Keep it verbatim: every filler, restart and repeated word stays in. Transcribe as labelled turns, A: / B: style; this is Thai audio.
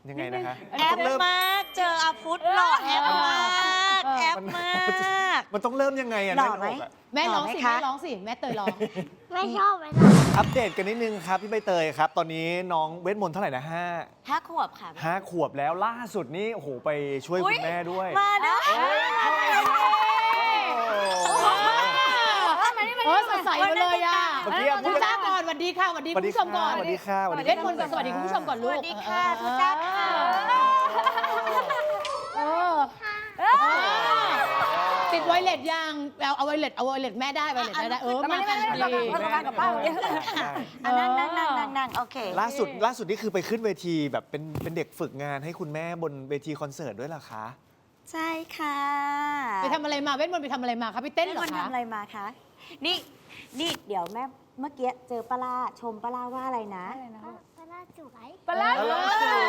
A: ยังไงนะคะ
B: แอปมากเจออาพุธหล่อแอปมากแอปมาก
A: มันต้องเริ่มยังไงอะ
B: หล่อไหม
A: แน่นอกอะ
C: แม่ร้องสิ
B: หล่อไหมคะ
C: แม่ร้องสิแม่เตยร้อง
D: ไม่ชอบไม่ชอบ
A: อัปเดตกันนิดนึงครับพี่ใบเตยครับ ตอนนี้น้องเวทมนต์เท่าไหร่นะห้า
B: ห้าขวบค่ะ
A: ห้าขวบแล้วล่าสุดนี่โอ้โหไปช่วย
B: อุ๊
A: คุ
B: ย
A: ณแม่ด้วย
B: มานะ
C: เออสดใสมาเลยอ่ะ
A: เมื่อกี้พู
C: พู
A: ด
C: ดจ้าก่อนสวัสดีค่ะสวัสดี
A: ส
C: คุ
A: วั
C: ณ
A: สดี
C: ผู้ชมก่อน
A: สวัสดีค่ะ
C: เวทมนต์ก่อนสวัสดีคุณผู้ชมก่อน
B: ส
C: ลูก
B: วัสดีค่ะทุกท่านค่ะ
C: เออติดไวเลสยังเอาเอาไวเลสเอาไวเลสแม่ได้ไวเลสแม่ได้เออมากันดี
B: มาทำงานกับป้าเยอะอ่ะนั่งนั่งนั่งนั่งนั่งโอเค
A: ล่าสุดล่าสุดนี่คือไปขึ้นเวทีแบบเป็นเป็นเด็กฝึกงานให้คุณแม่บนเวทีคอนเสิร์ตด้วยเหรอคะ
B: ใช่ค่ะ
C: ไปทำอะไรมาเวทมนต์ไปทำอะไรมาคะไปเต้นเหรอ
B: มัน
C: คะ
B: ทำอะไรมาคะ นี่ นี่เดี๋ยวแม่เมื่อกี้เจอปลาชมปลาว่าอะไรนะ
D: ปลาร้าสวย
C: ปลา